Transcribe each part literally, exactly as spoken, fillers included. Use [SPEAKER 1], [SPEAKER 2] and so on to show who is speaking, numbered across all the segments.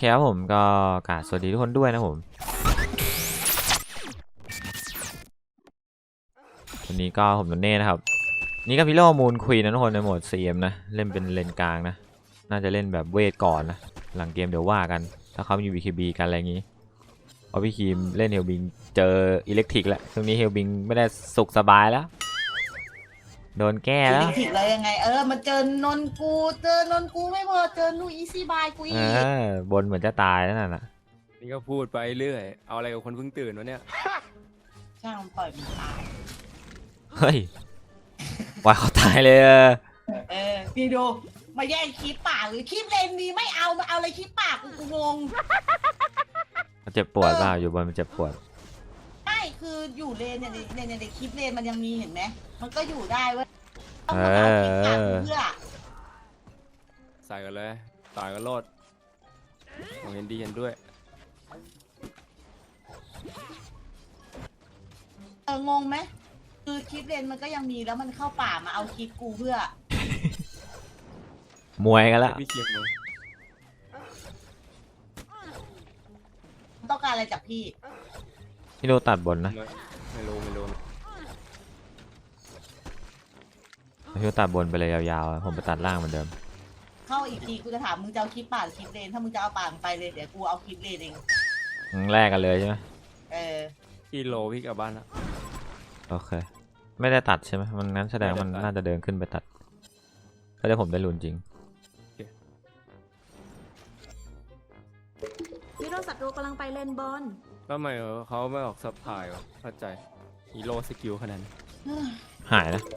[SPEAKER 1] ครับผมก็กราบสวัสดีทุกคนด้วยนะผมวันนี้ก็ผมโดนเน่นะครับนี่ก็พิโรมูนควีนนะทุกคนในโหมด ซี เอ็ม นะเล่นเป็นเลนกลางนะน่าจะเล่นแบบเวทก่อนนะหลังเกมเดี๋ยวว่ากันถ้าเขามี วี เค บี กันอะไรอย่างงี้เพราะพี่คีมเล่นเฮลบิงเจออิเล็กทริกแล้วช่วงนี้เฮลบิงไม่ได้สุขสบายแล้วโดนแก้
[SPEAKER 2] อิ
[SPEAKER 1] แล้ว
[SPEAKER 2] เล็กทริกเลยยังไงเออมาเจอนนกูเจอนนกูไม่พอเจอนูอีซี่บายกู
[SPEAKER 1] เอ
[SPEAKER 2] อีก
[SPEAKER 1] อบนเหมือนจะตายนั่นน่ะ
[SPEAKER 3] นี่ก็พูดไปเรื่อยเอาอะไรกับคนเพิ่งตื่นวะเนี่ย
[SPEAKER 2] ช่างปล่อยมันตาย
[SPEAKER 1] เฮ้ยว่าเขาตายเลย
[SPEAKER 2] เออพี่ดูมาแย่งคลิปปากหรือคลิปเลนนี้ไม่เอามาเอาอะไรคลิปปากกูงง
[SPEAKER 1] มันเจ็บปวดเปล่าอยู่บนมันเจ็บปวด
[SPEAKER 2] ไม่คืออยู่เลนเนี่ยในในในคลิปเลนมันยังมีเห็นไหมมันก็อยู่ได้เว้ยต้อ
[SPEAKER 1] เอ
[SPEAKER 2] งมาเอาคลิปปาก
[SPEAKER 1] อ
[SPEAKER 2] เพื่อ
[SPEAKER 3] ใส่กันเลยต่อยกันโลดผมเห็นดีเห็นด้วย
[SPEAKER 2] เอองงไหมคือคลิปเลนมันก็ยังมีแล้วมันเข้าป่ามาเอาคลิปกูเพื่อ
[SPEAKER 1] มวยกันแล้ว
[SPEAKER 3] พี่เคียมลง
[SPEAKER 2] ต้องการอะไรจากพี่
[SPEAKER 1] พี่โดตัดบนนะ
[SPEAKER 3] ไม่ไม่รู้ไม่รู้
[SPEAKER 1] พี่โดตัดบนไปเลยยาวๆผมไปตัดล่างเหมือนเดิม
[SPEAKER 2] เข้าอีกทีกูจะถามมึงจะเอาคลิปป่าหรือคลิปเลนถ้ามึงจะเอาป่าไปเลยเดี๋ยวกูเอาคลิปเลนเอง
[SPEAKER 1] แลกกันเลยใช่ไหม
[SPEAKER 2] เออ
[SPEAKER 3] พี่โลพี่กลับบ้านละ
[SPEAKER 1] โอเคไม่ได้ตัดใช่ไหมมันงั้นแสดงมันน่าจะเดินขึ้นไปตัดก็ได้ผมได้ลุ้นจริง
[SPEAKER 4] ฮีโร่ศัตรูกำลังไปเลนบอล
[SPEAKER 3] แล้วทำไมเขาไม่ออกซับพลายวะเข้าใจฮีโร่สกิลขนาดนั้น
[SPEAKER 1] หายนะ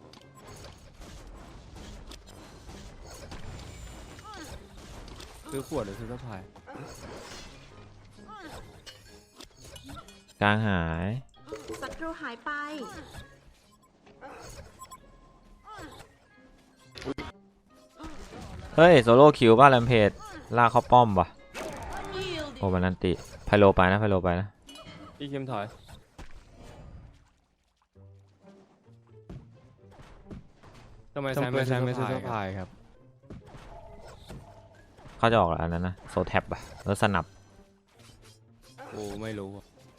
[SPEAKER 3] ซื้อขวดหรือซื้อซับพลาย
[SPEAKER 1] กลางหาย
[SPEAKER 4] ศัตรูหายไป
[SPEAKER 1] เฮ้ยโซโล่คิวป่ะแรมเพจลากเข้าป้อมว่ะโอ้มันนันติไพโลไปนะไพโลไปนะ
[SPEAKER 3] พี่เคียมถอยทำไมแซมไม่แซมไม่ซื้อซับพลายครับ
[SPEAKER 1] เขาจะออกอันนั้นนะโซแท็บอะแล้วสนับ
[SPEAKER 3] โอ้ไม่รู้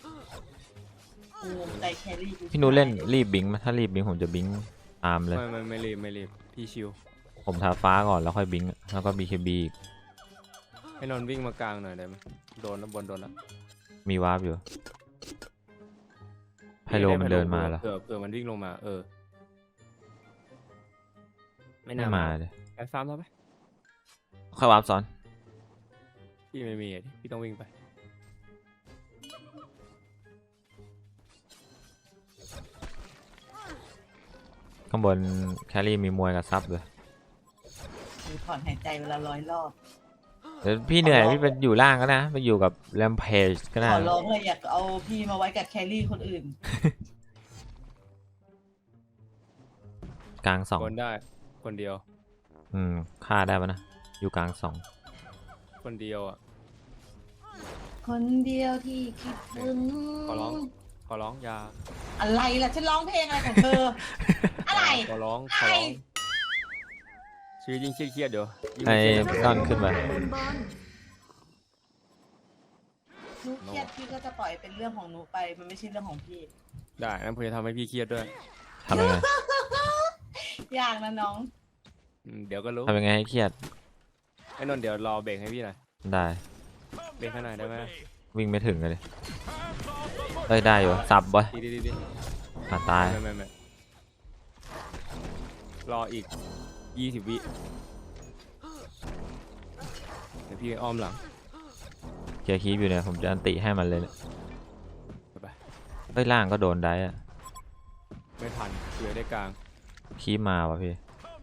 [SPEAKER 1] พี่นูเล่นรีบบิงไหมถ้ารีบบิงผมจะบิงตามเลย
[SPEAKER 3] ไม่ไม่ไม่รีบไม่รีบพี่ชิว
[SPEAKER 1] ผมทาฟ้าก่อนแล้วค่อยบิงแล้วก็บีเคบี
[SPEAKER 3] ให้นนวิ่งมากลางหน่อยได้ไหมโดนแล้วบนโดนแล้ว
[SPEAKER 1] มีวาร์ปอยู่ไพโลมันเดินมาแล้ว
[SPEAKER 3] เผื่อเผื่อมันวิ่งลงมาเออ
[SPEAKER 1] ไม่น่ามาเลย
[SPEAKER 3] แอบซ้ำแล้วไหม
[SPEAKER 1] ค่อยวาร์ปซ้อน
[SPEAKER 3] พี่ไม่มีพี่ต้องวิ่งไป
[SPEAKER 1] ข้างบนแครี่มีมวยกับซับเลย
[SPEAKER 2] ถอนหายใจเวลาร้อยรอบ
[SPEAKER 1] เดี๋ยวพี่เหนื่อยพี่ไปอยู่ล่างก็นะไปอยู่กับแรมเพจก็ได้
[SPEAKER 2] ขอร้องเลยอยากเอาพี่มาไว้กับแครี่คนอื่น
[SPEAKER 1] กลางสอง
[SPEAKER 3] คนได้คนเดียว
[SPEAKER 1] อืมฆ่าได้ปะนะอยู่กลางสอง
[SPEAKER 3] คนเดียวอ่ะ
[SPEAKER 2] คนเดียวที่คิดถึง
[SPEAKER 3] ขอร้องขอร้องยา
[SPEAKER 2] อะไรล่ะฉันร้องเพลงอะไรของเธออะไร
[SPEAKER 3] ขอร้องขอร้องชีวิตยิ่งเครียดเดี๋ยว
[SPEAKER 1] ไอ้ต้อนขึ้นมา
[SPEAKER 2] นุเครียดพี่ก็จะปล่อยเป็นเรื่องของนุไปมันไม่ใช่เรื่องของพี่
[SPEAKER 3] ได้นั่นผมจะทำให้พี่เครียดด้วย
[SPEAKER 1] ทำยังไง
[SPEAKER 2] ยากนะน้อง
[SPEAKER 3] เดี๋ยวก็รู้
[SPEAKER 1] ทำยังไงให้เครียด
[SPEAKER 3] ไอ้นนท์เดี๋ยวรอเบรกให้พี่หน่อย
[SPEAKER 1] ได้
[SPEAKER 3] เบรกให้หน่อยได้ไหม
[SPEAKER 1] วิ่งไม่ถึงเลยเอ้ยได้อยู่สับบ่
[SPEAKER 3] ดีดีดี
[SPEAKER 1] ขาตาย
[SPEAKER 3] ไม่ไม่ไม่รออีกยี่สิบวิเดี๋ยวพี่อ้อมหลัง
[SPEAKER 1] เคลียร์คีบอยู่เนี่ยผมจะอันติให้มันเลยเนี่ย
[SPEAKER 3] ไป
[SPEAKER 1] เอ้ยล่างก็โดนได้อะ
[SPEAKER 3] ไม่ทันเกือได้กลาง
[SPEAKER 1] คีบมาว่ะพี่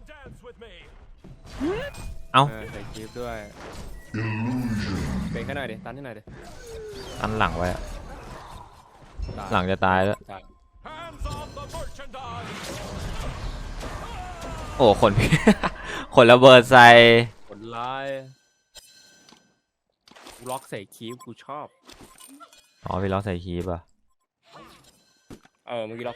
[SPEAKER 1] เอ้า
[SPEAKER 3] ใส่คีบด้วยเบรกให้หน่อยดิตันให้หน่อยดิ
[SPEAKER 1] ตันหลังไว้อะหลังจะตายแล้วโอ้คนพี่คนระเบิดใส่
[SPEAKER 3] คนร้ายล็อกใส่คีบกูชอบ
[SPEAKER 1] อ๋อพี่ล็อกใส่คีบอ่ะ
[SPEAKER 3] เออเมื่อกี้ล็อก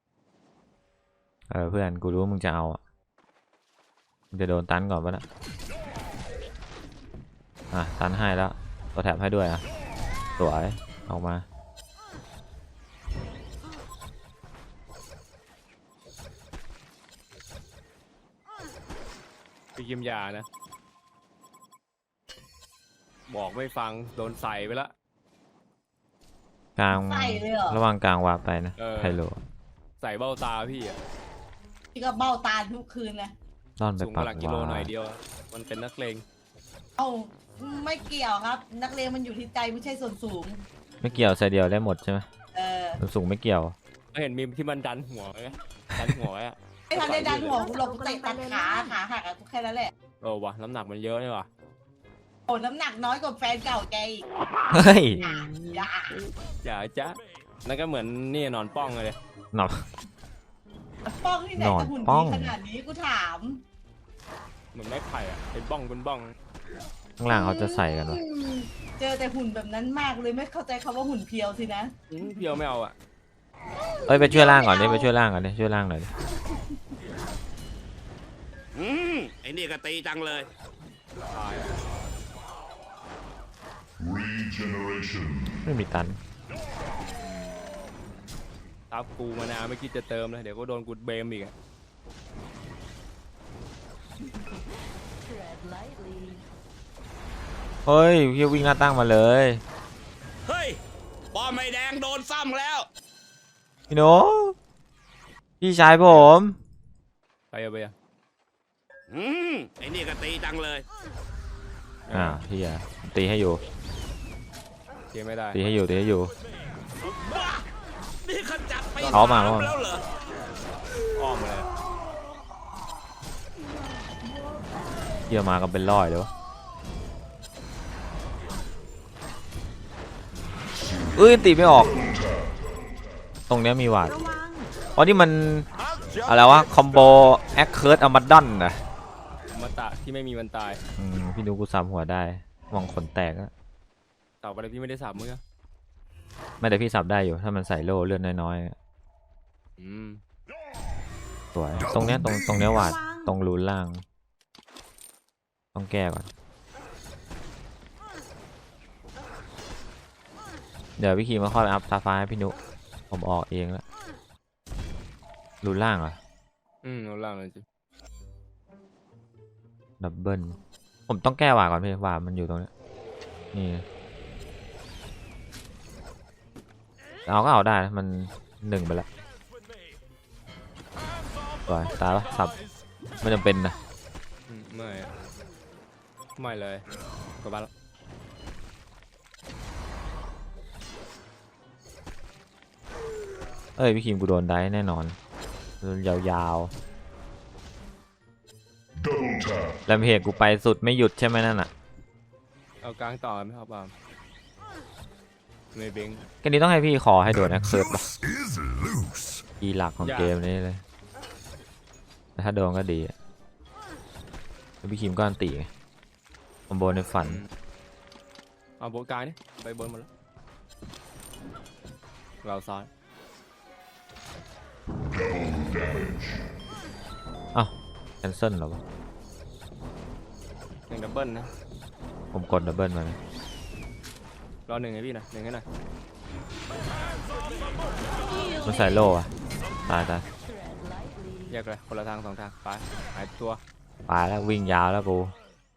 [SPEAKER 1] เออเพื่อนกูรู้ว่ามึงจะเอาอ่ะมึงจะโดนตันก่อนปะนะอ่ะตันให้แล้วตัวแถบให้ด้วยอ่ะสวยออกมา
[SPEAKER 3] พี่กิมยานะบอกไม่ฟังโดนใส่ไปละ
[SPEAKER 1] กลาง
[SPEAKER 2] ใส่เลยเหรอ
[SPEAKER 1] ระหว่างกลางวาร์ปไปนะ
[SPEAKER 3] เออ
[SPEAKER 1] ไฮโล
[SPEAKER 3] ใส่เบ้าตาพี่อะ
[SPEAKER 2] พี่ก็เบ้าตาทุกคืนเลย
[SPEAKER 1] ต้อนไป
[SPEAKER 3] สูง
[SPEAKER 1] ปั
[SPEAKER 3] ก
[SPEAKER 1] ก
[SPEAKER 3] ว่าหลักกิโล
[SPEAKER 1] วา
[SPEAKER 3] หน่อย
[SPEAKER 1] ร์ป
[SPEAKER 3] เดียวอะมันเป็นนักเลง
[SPEAKER 2] เอ้าไม่เกี่ยวครับ นักเรียนมันอยู่ที่ใจไม่ใช่ส่วนสูง
[SPEAKER 1] ไม่เกี่ยวใส่เดียวได้หมดใช่ไหม
[SPEAKER 2] เออ
[SPEAKER 1] ส่วนสูงไม่เกี่ยว
[SPEAKER 3] ก็เห็นมีมที่มันดันหัวไหมดันหัวไว้อะ
[SPEAKER 2] ไม่ทันได้ดันหัวกูหลบกูเตะตัดขาขาหักอะกูแค่นั้นแหละ
[SPEAKER 3] เออวะน้ำหนักมันเยอะนี่วะ
[SPEAKER 2] โอ้น้ำหนักน้อยกว่าแฟนเก่าแกอีก
[SPEAKER 1] เฮ้ย
[SPEAKER 2] อย่าอย่า
[SPEAKER 3] อย่าจ้ะนั่นก็เหมือนนี่นอนป้องเลย
[SPEAKER 1] หนอน
[SPEAKER 2] ป้องที่ไหน
[SPEAKER 1] นอน
[SPEAKER 2] จะหุ่น
[SPEAKER 1] ป้
[SPEAKER 2] ดี
[SPEAKER 1] อง
[SPEAKER 2] ขนาดนี้กูถาม
[SPEAKER 3] เหมือนไม้ไผ่อะเป็นบ้องเป็นบ้อง
[SPEAKER 1] ข้างล่างเขาจะใส่กันวะ
[SPEAKER 2] เจอแต่หุ่นแบบนั้นมากเลยไม่เข้าใจคำว่าหุ่นเพียวสินะ
[SPEAKER 3] อื้อเพียวไม่เอาอะ
[SPEAKER 1] เอ้ยไปช่วยล่างก่อนดิไปช่วยล่างก่อนดิช่วยล่างหน่อยดิ
[SPEAKER 5] อืมไอ้นี่ก็ตีจังเลย
[SPEAKER 3] ตายอะ
[SPEAKER 6] Regeneration.
[SPEAKER 1] ไม่มีตัน
[SPEAKER 3] ตับกูมานาไม่คิดจะเติมเลยเดี๋ยวก็โดนกูเบมอีกอะ
[SPEAKER 1] เฮ้ยพี่วิ่งหน้าตั้งมาเลย
[SPEAKER 5] เฮ้ยป้อมไม่แดงโดนซ้ำแล้ว
[SPEAKER 1] พี่โนพี่ชายผม
[SPEAKER 3] ไปเอาไปอะ
[SPEAKER 5] อืมไอ้นี่ก็ตีจังเลย
[SPEAKER 1] อ่าพี่อะตีให้อยู่
[SPEAKER 3] เทียไม่ได้
[SPEAKER 1] ตีให้อยู่ตีให้อยู่
[SPEAKER 5] บ้า นี่ขจัดไป
[SPEAKER 1] เอามา
[SPEAKER 5] ส
[SPEAKER 1] เอามา
[SPEAKER 5] แล้วเหรอ
[SPEAKER 3] อ้อมมาเลย
[SPEAKER 1] เยี่ยมากันเป็นร้อยเลยวะเอ้ยตีไม่ออก ตรงเนี้ยมีหวาด
[SPEAKER 4] ระวัง
[SPEAKER 1] อ๋อนี่มันอะไรวะคอมโบแอคเคิร์ดอมาดอนนะ
[SPEAKER 3] มาตะที่ไม่มีมันตาย
[SPEAKER 1] อืมพี่ดูกูสามหัวได้มองขนแตกอะ
[SPEAKER 3] ต่อไปเลยพี่ไม่ได้สับมือ
[SPEAKER 1] ไม่แต่พี่สับได้อยู่ถ้ามันใส่โล่เลือดน้อยๆอะ
[SPEAKER 3] อืม
[SPEAKER 1] สวยตรงเนี้ยตรงตรงเนี้ยหวาดตรงรูนล่าง ต้องแก้ก่อนเดี๋ยวพี่คีมาค่อยอัพซาฟ้าให้พี่นุผมออกเองแล้วรูนล่างเหรอ
[SPEAKER 3] อืมเอาล่างเลยจิ
[SPEAKER 1] ดับเบิลผมต้องแก้หวาดก่อนพี่หวาดมันอยู่ตรงเนี้ยนี่เอาก็เอาได้นะมันหนึ่งไปแล้วสวยตายปะสับไม่จำเป็นนะ
[SPEAKER 3] อืมไม่อะไม่เลยกลับบ้านละ
[SPEAKER 1] เอ้ยพี่คิมกูโดนได้แน่นอนโดนยาว
[SPEAKER 6] Double tap.
[SPEAKER 1] ๆแล้วเพจกูไปสุดไม่หยุดใช่ไหมนั่นอ่ะ
[SPEAKER 3] เอากลางต่อไหมครับปาล์มไม่เบง
[SPEAKER 1] กันนี้ต้องให้พี่ขอให้โดนแอคเซิร์ตปะ
[SPEAKER 6] Is loose.
[SPEAKER 1] อีหลักของ
[SPEAKER 3] ยาก
[SPEAKER 1] เกมนี้เลยแต่ถ้าโดนก็ดีอะแล้วพี่คิมก็อันตีไงคอมโบในฝัน
[SPEAKER 3] อืมเอาโบนกลางนี่ไปบนหมดแล้วเราซ้าย
[SPEAKER 6] Damage.
[SPEAKER 1] อ้าวแคนเซิลเหรอวะ
[SPEAKER 3] หนึ่งดับเบิลนะ
[SPEAKER 1] ผมกดดับเบิลมาเลย
[SPEAKER 3] รอหนึ่งให้พี่หน่อยหนึ่งให้หน่อย
[SPEAKER 1] มันใส่โล่อะตายตาย
[SPEAKER 3] แยกเลยคนละทางสองทางไปหายตัว
[SPEAKER 1] ตายแล้ววิ่งยาวแล้วกู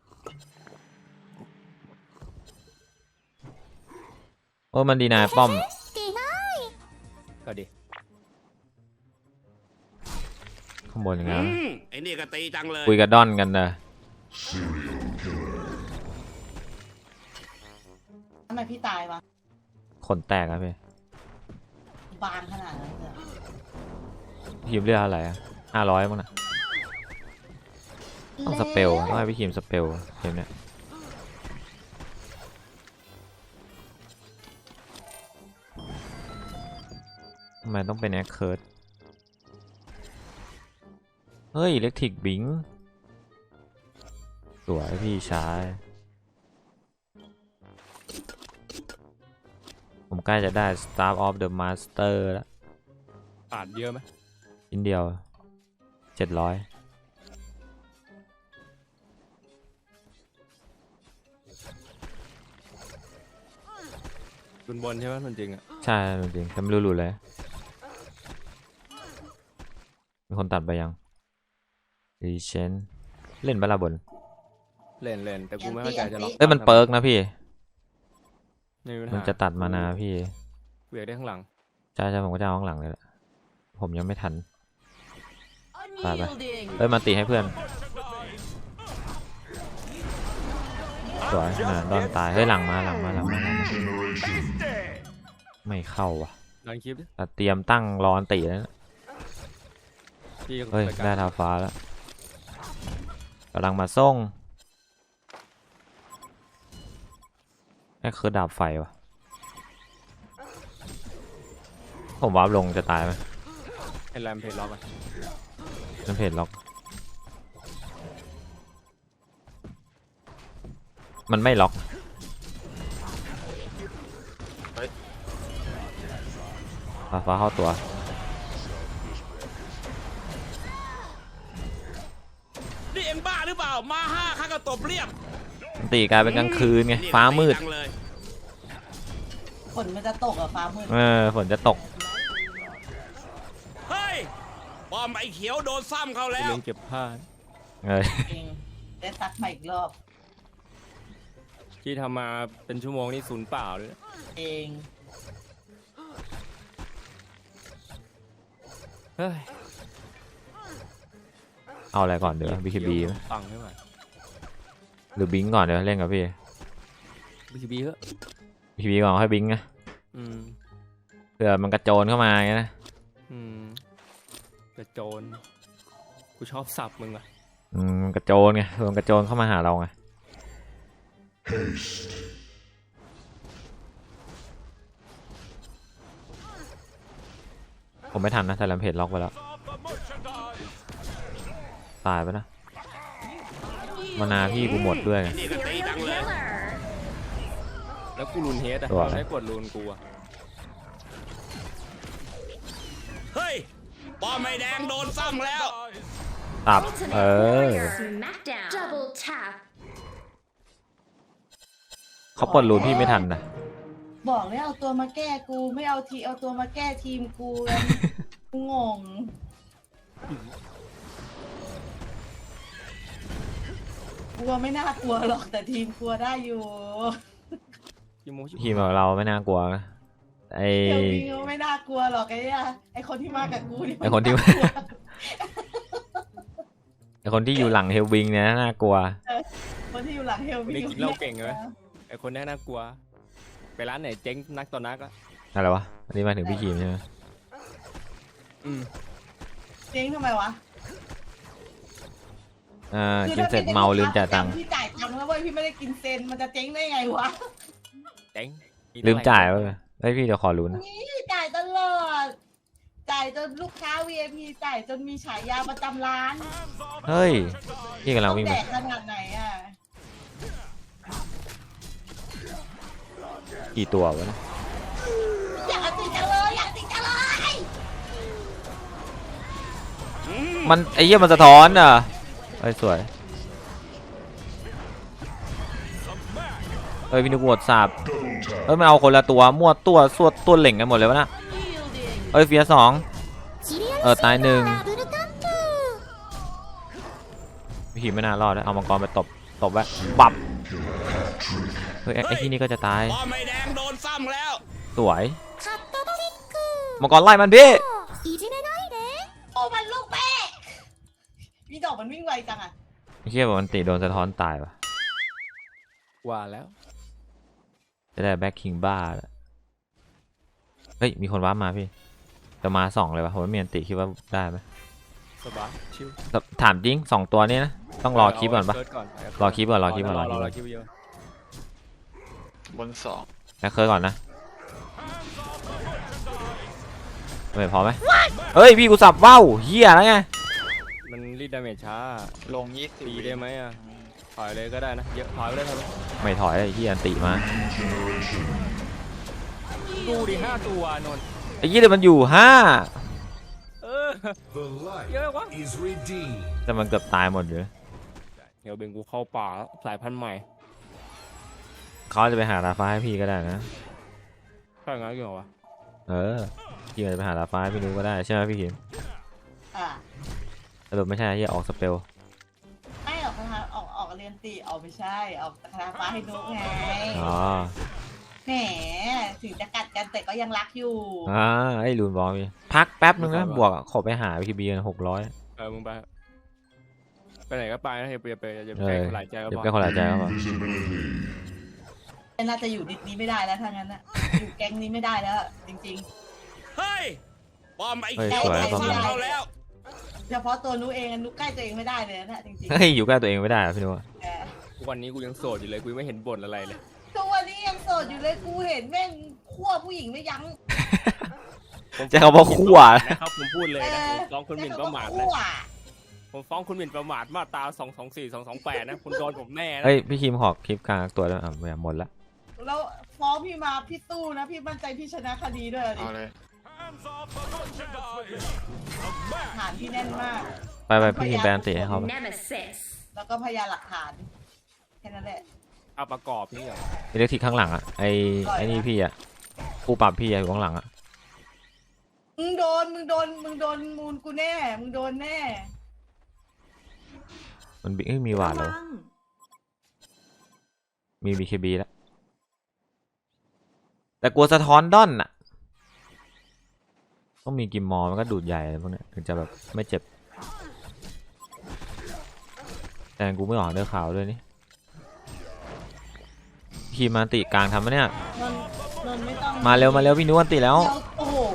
[SPEAKER 1] โอ้ยมันดีนายป้อม
[SPEAKER 3] ก็ดี
[SPEAKER 1] ข้างบนอย่าง
[SPEAKER 5] อื
[SPEAKER 1] เงี้ย
[SPEAKER 5] มไอ้นี่ก็ตีจังเลย
[SPEAKER 1] คุยกับดอนกันนะ
[SPEAKER 6] Serial killer.
[SPEAKER 2] ทำไมพี่ตายวะ
[SPEAKER 1] ขนแตกอะพี่
[SPEAKER 2] บางขนาดนั้นเลย
[SPEAKER 1] พี่คิมเรียกอะไรอะห้าร้อยมั้งนะต้องสเปลต้องให้พี่คิมสเปลเกมเนี้ยทำไมต้องเป็นแอคเคิร์ดเฮ้ยอิเล็กทริกบิงสวยพี่ชายผมใกล้จะได้ Star of the Master แล้ว
[SPEAKER 3] ขาดเยอะไหม
[SPEAKER 1] ชิ้นเดียวเจ็ดร้อย
[SPEAKER 3] บนบนใช่ไหมมันจริงอ่ะ
[SPEAKER 1] ใช่จริงๆแต่ไม่รู้หลุดเลยมีคนตัดไปยังรีเชนเล่นบาลาบน
[SPEAKER 3] เล่นเล่นแต่กูไม่เข้าใจจะล็อก
[SPEAKER 1] เอ้ยมันเปิร์กนะพี่
[SPEAKER 3] ไม่มีปัญ
[SPEAKER 1] มัน
[SPEAKER 3] หา
[SPEAKER 1] จะตัดมานาพี่
[SPEAKER 3] เวียกได้ข้างหลัง
[SPEAKER 1] ใช่ใช่ผมก็จะเอาข้างหลังเลยแหละผมยังไม่ทัน ไปไป
[SPEAKER 2] Unyielding
[SPEAKER 1] เอ้ยมาตีให้เพื่อนสวยน่ะดอนตายเฮ้ยหลังมาหลังมาหลังมาหลังมา
[SPEAKER 6] Generation.
[SPEAKER 1] ไม่เข้าว่ะ
[SPEAKER 3] ลองคลิปดิ
[SPEAKER 1] แต่เตรียมตั้งรอนตีแล้วนะ
[SPEAKER 3] พี่
[SPEAKER 1] เฮ้ย
[SPEAKER 3] รายการ
[SPEAKER 1] ได้ทาฟ้าแล้วกำลังมาส่งนี่คือดาบไฟวะผมวาร์ปลงจะตายไหม
[SPEAKER 3] ไอ้แรมเพจล็อกอ่ะ
[SPEAKER 1] นั่นเพจล็อกมันไม่ล็อกฟ้าฟ้าเข้าตัว
[SPEAKER 5] นี่เอ็งบ้าหรือเปล่า มาห้าข้าก็ตบเรียบ
[SPEAKER 1] ตีกลายเป็นกลางคืนไงฟ้ามืด
[SPEAKER 5] จังเลย
[SPEAKER 2] ฝนมันจะตกอะฟ้ามืด
[SPEAKER 1] เออฝนจะตก
[SPEAKER 5] เฮ้ยป้อมไอ้เขียวโดนซ้ำเขา
[SPEAKER 3] ไป
[SPEAKER 5] แล้ว
[SPEAKER 3] เล่นเก็บผ้า
[SPEAKER 1] เออ
[SPEAKER 2] เองได้ซักใหม่อีกรอบ
[SPEAKER 3] ที่ทำมาเป็นชั่วโมงนี่ศูนย์เปล่าเลยนะ
[SPEAKER 2] เอง
[SPEAKER 3] เฮ้ย
[SPEAKER 1] เอาอะไรก่อนเดี๋ยวบีคีบี
[SPEAKER 3] ปังไม่ไหว
[SPEAKER 1] หรือบิงก่อนเดี๋ยวเล่นกับพี่
[SPEAKER 3] บีคีบีเหอะ
[SPEAKER 1] บีคีบีก่อนให้บิงนะ
[SPEAKER 3] อืม
[SPEAKER 1] เผื่อมันกระโจนเข้ามาไงนะ
[SPEAKER 3] อืมกระโจนกูชอบสับมึงอ่ะ
[SPEAKER 1] อืมมันกระโจนไงเผื่อมันกระโจนเข้ามาหาเราไง
[SPEAKER 6] Haste.
[SPEAKER 1] ผมไม่ทันนะแต่ลำเพจล็อกไปแล้วตายไปนะมานาพี่กูหมดด้วยไง
[SPEAKER 5] นี่ก็ตีจังเลย
[SPEAKER 3] แล้วกูรูนเฮดอ่ะ
[SPEAKER 1] ตัว
[SPEAKER 3] ใช้กดรูนกูอ่ะ
[SPEAKER 5] เฮ้ยป้อมไอ้แดงโดนซ้ำแล้ว
[SPEAKER 1] ตับเออ
[SPEAKER 4] Smackdown Double tap
[SPEAKER 1] เขาปลดรูนพี่ไม่ทันนะ
[SPEAKER 2] บอกเลยเอาตัวมาแก้กูไม่เอาทีเอาตัวมาแก้ทีมกูกันกูงงกลัวไม่น่ากลัวหรอกแต่ทีมกลัวได้อยู่
[SPEAKER 3] ชิโมชิ
[SPEAKER 1] ทีมของเราไม่น่ากลัวนะไอ
[SPEAKER 2] เฮลวิงก็ไม่น่ากลัวหรอกไอ้เนี่ยไอ้คนที่มากับกูนี่
[SPEAKER 1] ไอ้คนที่
[SPEAKER 2] มัากลัว
[SPEAKER 1] ไอคนที่อยู่หลังเฮลวิงเนี่ยน่ากลัว
[SPEAKER 2] คนที่อยู่หลังเฮลวิง
[SPEAKER 3] ไม่กินเหล้าเก่งเลยไอคนนี้น่ากลัว ไปร้านไหนเจ๊งนักต่อนักอ่ะ
[SPEAKER 1] อะไรวะอันนี้มาถึงพี่ขีมใช่ไหม
[SPEAKER 3] อืม
[SPEAKER 2] เจ๊งทำไมวะ
[SPEAKER 1] อ่า
[SPEAKER 2] คือ
[SPEAKER 1] กิน
[SPEAKER 2] ถ้า
[SPEAKER 1] เสร็จ
[SPEAKER 2] เป็น
[SPEAKER 1] เมาลืมจ่ายตังค์
[SPEAKER 2] พี่จ่ายตังค์แล้วเว้ยพี่ไม่ได้กินเซนมันจะเจ๊งได้ไงวะ
[SPEAKER 3] เจ๊งกิน
[SPEAKER 1] ลืมจ่าย
[SPEAKER 3] อะ
[SPEAKER 1] วะ
[SPEAKER 3] ไร
[SPEAKER 1] เฮ้ยพี่เดี๋ยวขอรู้นะ
[SPEAKER 2] นี่จ่ายตลอด จ่ายจนลูกค้า วี ไอ พี จ่ายจนมีฉายาประจำร้าน
[SPEAKER 1] เฮ้ยพี่กำลังวิ่ง
[SPEAKER 2] แด
[SPEAKER 1] ไป
[SPEAKER 2] กขนาดไหนอ่ะ
[SPEAKER 1] กี่ตัววะเนี่ย
[SPEAKER 2] อยากติดจังเลยอยากติดจังเลย
[SPEAKER 1] มันไอ้เหี้ยมันสะท้อนอ่ะเฮ้ยสวยเฮ้ยพี่นึกวดสาบ
[SPEAKER 6] Double tap.
[SPEAKER 1] เฮ้ยมันเอาคนละตัวมั่วตัวสวดตัวเหล่งกันหมดเลยวะนะเฮ้ยเฟียสองเออตายหนึ่งพี่ขีมไม่น่ารอดนะเอามังกรไปตบตบไว้ปับเฮ้ยไอ้ไอ้ที่นี่ก็จะตาย
[SPEAKER 5] ป้อมไอ้แดงโดนซ้ำแล้ว
[SPEAKER 1] สวยมังกรไล่มันพี่
[SPEAKER 2] โอ้มันลูกแม่พี่ดอกมันวิ่งไวจังอ่ะ
[SPEAKER 1] ไอ้เหี้ยบอกมันติโดนสะท้อนตายว่ะ
[SPEAKER 3] ว่าแล้ว
[SPEAKER 1] จะได้แบ็คคิงบ้าแล้วเฮ้ยมีคนว้าร์ปมาพี่จะมาสองเลยวะผมว่ามีอันติคิดว่าได้ไหม
[SPEAKER 3] สบายชิว
[SPEAKER 1] แต่ถามจริงสองตัวนี้นะต้องรอคลิปก่อนปะ
[SPEAKER 3] เาเาเซิร์ชก่อน
[SPEAKER 1] รอคลิปก่อนรอคลิปก่อน
[SPEAKER 3] ร
[SPEAKER 1] ร
[SPEAKER 3] อ
[SPEAKER 1] อคลิป
[SPEAKER 3] ร
[SPEAKER 1] ก่
[SPEAKER 3] อ
[SPEAKER 1] อน
[SPEAKER 3] คลิปเยอะ
[SPEAKER 7] บนสอง
[SPEAKER 1] แบ็คเคิร์ก่อนนะเฮ้ยพอไหมเฮ้ยพี่กูสับว่าวเฮียแล้วไง
[SPEAKER 3] มันรีดดาเมจช้า
[SPEAKER 7] ลงยี่สิบ
[SPEAKER 3] ตีได้ไหมอ่ะถอยเลยก็ได้นะเยอะถอยไปเลยถอยไปเลย
[SPEAKER 1] ไม่ถอยไอ้เฮียอันติมา
[SPEAKER 6] Generation.
[SPEAKER 3] ดูดิห้าตัวนนท์
[SPEAKER 1] ไอ้เฮียเดี๋ยวมันอยู่ห้า
[SPEAKER 3] เออ
[SPEAKER 8] The light
[SPEAKER 3] Yeah, what?
[SPEAKER 8] is redeemed.
[SPEAKER 1] แต่มันเกือบตายหมดเลย
[SPEAKER 3] เดี๋ยวเบงกูเข้าป่าแล้วสายพันธุ์ใหม่
[SPEAKER 1] เขาจะไปหาราฟ้าให้พี่ก็ได้นะ
[SPEAKER 3] ช่งั้นกี่เหรอวะ
[SPEAKER 1] เออพี่อาจจะไปหาลาฟ้าให้พี่นุก็ได้ใช่ไหมพี่คิม
[SPEAKER 2] อ่ะ
[SPEAKER 1] สรุปไม่ใช่ที่ออกสเปล
[SPEAKER 2] ไม่ออกคาถาออกออกเรียนตีออกไม่ใช่ออกคาถาฟ้าให้นุกไง
[SPEAKER 1] อ๋อ
[SPEAKER 2] แหมถึงจะกัดกันแต่ก็ยังรักอยู่
[SPEAKER 1] อ่าไอ้ลูนบอกมีพักแป๊บนึงนะบวกอะขอไปหาพีบีกันหกร้อย
[SPEAKER 3] เออมึงไปไปไหนก็ไปนะอย่าไปอย่าไปอย่าไป
[SPEAKER 1] เออ
[SPEAKER 3] ใกล้คนหลายใจก็
[SPEAKER 1] เดี๋ยว
[SPEAKER 3] พอ
[SPEAKER 1] แก้คนหลายใจครับผม
[SPEAKER 6] Invisibility.
[SPEAKER 2] น่าจะอยู่ดิสนี้ไม่ได้แล้วถ้างั้นนะอยู่แก๊งนี้ไม่ได้แล้ว จริง
[SPEAKER 5] เฮ้ยป้อมไอ้
[SPEAKER 1] เฮ้ย
[SPEAKER 5] เขียว
[SPEAKER 1] สวย
[SPEAKER 5] โดน
[SPEAKER 1] ป้อม
[SPEAKER 5] ซ้ำเราแล้ว
[SPEAKER 2] ๆ เฉพาะตัวนุเองนุใกล้ตัวเองไม่ได้เลยนะจริง
[SPEAKER 1] เฮ้ยอยู่ใกล้ตัวเองไม่ได้อะพี่นุ
[SPEAKER 2] ๆแต่
[SPEAKER 3] ทุกวันนี้กูยังโสดอยู่เลยกูยังไม่เห็นบ่นอะไรเลย
[SPEAKER 2] ทุกวันนี้ยังโสดอยู่เลยกูเห็นแม่งขั้วผู้หญิงไม่ยั้ง
[SPEAKER 1] จะเขาบอกขั้ว
[SPEAKER 3] นะครับผมพูดเลยนะผมฟ้องคุณหมิ่นประมาทนะ
[SPEAKER 2] ขั้ว
[SPEAKER 3] ผมฟ้องคุณหมิ่นประมาทมาตราสองสองสี่สองสองแปดนะคุณโดนผมแน่นะ
[SPEAKER 1] เฮ้ยพี่คิมขอคลิปกลางตัวแล้วอ่ะหมดละ
[SPEAKER 2] แล้วฟ้องพี่มาพี่สู้นะพี่มั่นใจพี่ชนะคดีด้วยดิ
[SPEAKER 7] เอาเลย
[SPEAKER 2] ฐานพี่แน่นมาก
[SPEAKER 1] ไปไปพี่คิมแบนตีให้เขาไป
[SPEAKER 4] Nemesis.
[SPEAKER 2] แล้วก็พยานหลักฐานแค่นั้นแหละ
[SPEAKER 3] เอาประกอบนี่เหรอ
[SPEAKER 1] อิเล็กทริกข้างหลังอ่ะไอไอนี่พี่อ่ะผู้ปรับพี่อะอยู่ข้างหลังอ่ะ
[SPEAKER 2] มึงโดนมึงโดนมึงโดนมูลกูแน่มึงโดนแน่
[SPEAKER 1] มันบิเอ้ยมีหวาดแล้วมีบีเคบีแล้วแต่กลัวสะท้อนด้อนอ่ะต้องมีกิมมอร์มันก็ดูดใหญ่อะไรพวกเนี้ยถึงจะแบบไม่เจ็บแต่กูไม่ออกเดือขาวด้วยนี่ขี่มาติกลางทำไหมเนี่ย
[SPEAKER 2] นนนนไม่ต้อง
[SPEAKER 1] มาเร็วมาเร็วพี่นุวันติแล้ว
[SPEAKER 2] เดี๋ยวโอ้โห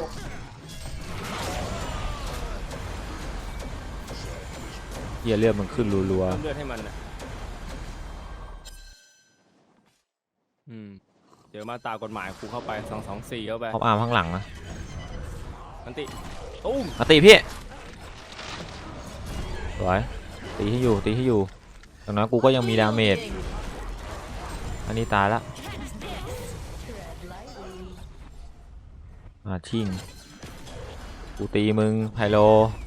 [SPEAKER 1] เหี้ยเลือดมันขึ้นรัว
[SPEAKER 3] เพิ่มเลือดให้มันนะอืมเดี๋ยวมาตรากฎหมายกูเข้าไปสองสองสี่เข้าไป
[SPEAKER 1] ๆพอบอาร์มข้างหลังนะ
[SPEAKER 3] มันติตุ้ม
[SPEAKER 1] มาตีพี่สวยตีให้อยู่ตีให้อยู่ตอนนั้นกูก็ยังมีดาเมจอันนี้ตายละมาชิงกูตีมึงไพโล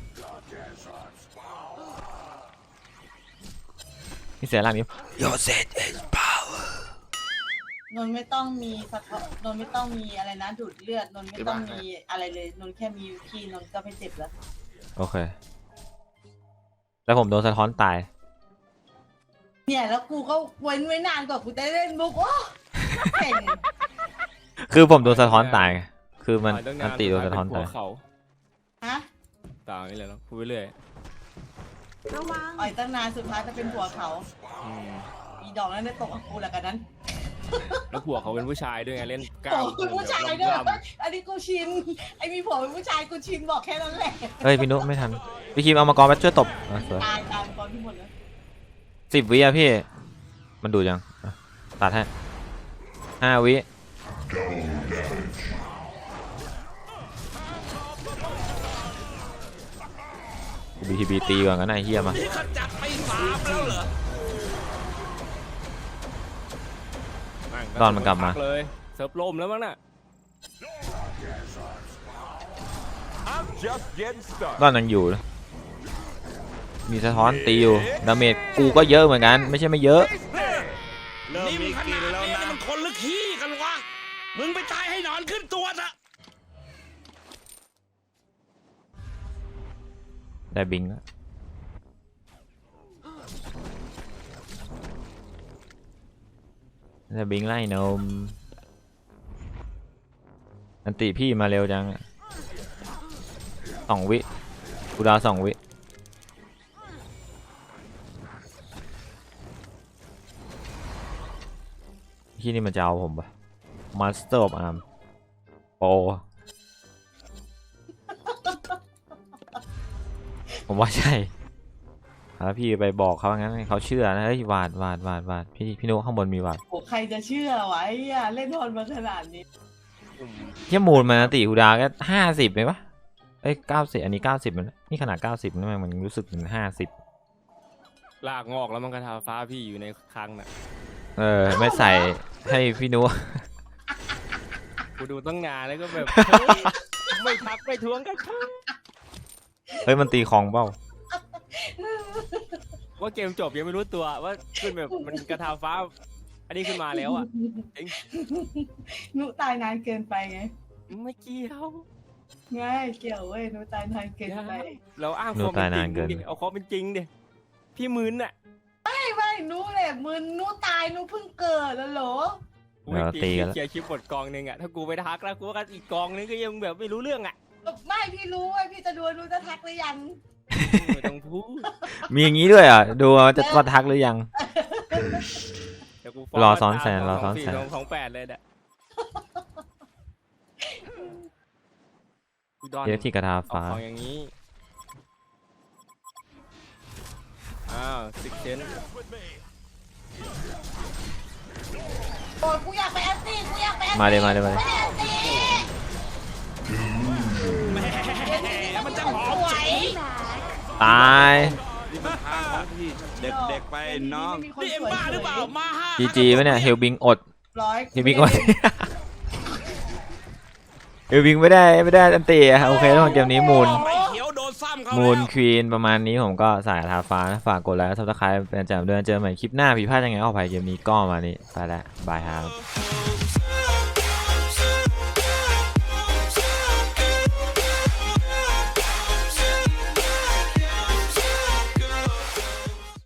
[SPEAKER 1] นี่เสียหลังนี้ Your set is power
[SPEAKER 2] นนไม่ต้องมีสะท้อนนนไม่ต้องมีอะไรนะดูดเลือดนนไม่ต้องมีอะไรเลยนนแค่มีคีย์นนก็ไม่เจ็บแล้ว
[SPEAKER 1] โอเคแล้วผมโดนสะท้อนตาย
[SPEAKER 2] เนี่ยแล้วกูก็เว้นไว้นานกว่ากูจะเล่นมุกโอ้เก่ง
[SPEAKER 1] คือผมโดนสะท้อนตายไงคือมัน
[SPEAKER 3] ต่อยตั้ง
[SPEAKER 1] อันตีโดนสะท้อน
[SPEAKER 3] สุด
[SPEAKER 1] ตาย
[SPEAKER 3] ท้ายเป็นหัวเขา
[SPEAKER 2] ฮะ
[SPEAKER 3] ต่างนี่เลยเนาะพูดไปเรื่อย
[SPEAKER 2] อ่อยตั้งนานสุดท้ายจะเป็นผัวเขา
[SPEAKER 3] อืม
[SPEAKER 2] อีดอกนั้นได้ตกกับกูแหละกันนั้น
[SPEAKER 3] แล้วผัวเขาเป็นผู้ชายด้วยไงเล่นกล้า
[SPEAKER 2] โอ้
[SPEAKER 3] ม
[SPEAKER 2] คุณผู้ชายด้วย
[SPEAKER 3] ล่ำๆ
[SPEAKER 2] อันนี้กูชินไอ้มีผัวเป็นผู้ชายกูชินบอกแค่นั้นแหละ
[SPEAKER 1] เฮ้ยพี่นุไม่ทันพี่คิมเอามากรมาช่วยตบอ่ะสวย
[SPEAKER 2] ตายตายตอนที่หมดเลย
[SPEAKER 1] สิบวิอะพี่มันดูดยังอ่ะตัดให้ห้าวิ
[SPEAKER 6] Double damage.
[SPEAKER 1] บีทีบีตีก่อนกันนะไอ้เฮียมา
[SPEAKER 5] นี่ขจัดไปสามแล้วเหรอ
[SPEAKER 1] ตอนมันกลับมา
[SPEAKER 3] เลยเซิร์ฟล่มแล้วมั้งน่ะ
[SPEAKER 1] ตอนนั้นอยู่นะมีสะท้อนตีอยู่ดาเมจกูก็เยอะเหมือนกันไม่ใช่ไม่เยอะ
[SPEAKER 5] นี่มึงขนาดนี้นี่มันคนหรือขี้กันวะ มึงไปตายให้หนอนขึ้นตัวซะ
[SPEAKER 1] ได้บิงแล้วได้บิงไล่นมอันติพี่มาเร็วจังอะสองวิกูดาวสองวิที่นี่มันจะเอาผมปะ Master of Arm โปผมว่าใช่แล้วพี่ไปบอกเขางั้นให้เขาเชื่อนะเฮ้ยวาดวาดวาดวาดพี่พี่นุข้างบนมีวาด
[SPEAKER 2] โอ้ใครจะเชื่อวะไอ้เหี้ยเล่นทอนมาขนาดนี้
[SPEAKER 1] เที่ยมูลมันติฮูดาก็ห้าสิบไหมวะเอ้ยเก้าสิบอันนี้เก้าสิบมันนี่ขนาดเก้าสิบนะมันรู้สึกถึงห้าสิบ
[SPEAKER 3] ลากงอกแล้วมันกระทาฟ้าพี่อยู่ในคลังน่ะ
[SPEAKER 1] เออไม่ใส่ให้พี่นุ
[SPEAKER 3] กูดูตั้งนานแล้วก็แบบเฮ้ยไม่ทักไม่ทวงกัน
[SPEAKER 1] เฮ้ยมันตีของเปล่า
[SPEAKER 3] ว่าเกมจบยังไม่รู้ตัวว่าขึ้นแบบมันกระทาฟ้าอันนี้ขึ้นมาแล้วอ่ะเอง
[SPEAKER 2] หนูตายนานเกินไปไง
[SPEAKER 3] ไม่เกี่ยว
[SPEAKER 2] ง่ายเกี่ยวเว้ยหนูตายนานเกินไป
[SPEAKER 3] เราอ้าง
[SPEAKER 1] หนู
[SPEAKER 3] ความ
[SPEAKER 1] ตาย
[SPEAKER 3] เป็นจ
[SPEAKER 1] นา
[SPEAKER 3] ริ
[SPEAKER 1] น
[SPEAKER 3] ง
[SPEAKER 1] เกิน
[SPEAKER 3] ดิเอาความเป็นจริงดิพี่มึนอ่ะ
[SPEAKER 2] ไม่ไม่หนูแหละมึนหนูตายหนูเพิ่งเกิดแล้วเหรอ
[SPEAKER 1] เดี๋ยวตีกันแล้ว
[SPEAKER 3] เคลียร์คลิปหมดกองหนึงอ่ะถ้ากูไปทักแล้วกูก็อีกกองนึงก็ยังแบบไม่รู้เรื่องอ่ะ
[SPEAKER 2] ไม่พี่รู้ว่าพี่จะดูหนูจะทักหรือยัง
[SPEAKER 3] ไม่ต้องพูด
[SPEAKER 1] มีอย่างนี้ด้วยเหรอ่ะดูว่าจะว่าทักหรือยัง
[SPEAKER 3] เดี๋ยวกู
[SPEAKER 1] รอซ้อนแสนรอซ้อนแสน
[SPEAKER 3] สองสองแปดเลยเนี่ยกูดอน
[SPEAKER 1] เดี๋ยวที่กระทา
[SPEAKER 3] เอา
[SPEAKER 1] ฟ้า
[SPEAKER 3] ของอย่างนี้ อ้าวซิกเซน
[SPEAKER 2] โอ้ยกูอยากไปแอนตี้กูอยากไปแอนตี้
[SPEAKER 1] มาเลยมาเลยมาเลย
[SPEAKER 2] ไม่ได้แอนตี้
[SPEAKER 5] มันจะหอม
[SPEAKER 2] สวย
[SPEAKER 1] ตาย
[SPEAKER 5] นี่มันทางของที่เด็กๆไปน้อง
[SPEAKER 2] ไม่มีค
[SPEAKER 5] นี่เอ็ม
[SPEAKER 2] สวย
[SPEAKER 5] บ้าหรือเปล่า มาห้า
[SPEAKER 1] จีจีไหมเนี่ยเฮลบิงอด
[SPEAKER 2] ร้อย
[SPEAKER 1] เฮลบิงอด เฮลบิงไม่ได้ไม่ได้อันตีอะโอเคทุกคนเกมนี้มูล
[SPEAKER 5] ไม่เขียวโดนซ้ำเขา
[SPEAKER 1] มูล
[SPEAKER 5] แล้ว
[SPEAKER 1] ควีนประมาณนี้ผมก็สายทาฟ้านะฝากกดไลค์ซับสไครป์เป็นประจำเดือนเจอใหม่คลิปหน้าผิดพลาดยังไงออกไปเกมนี้ก็มานี้ไปแล้วบายครับ
[SPEAKER 5] เ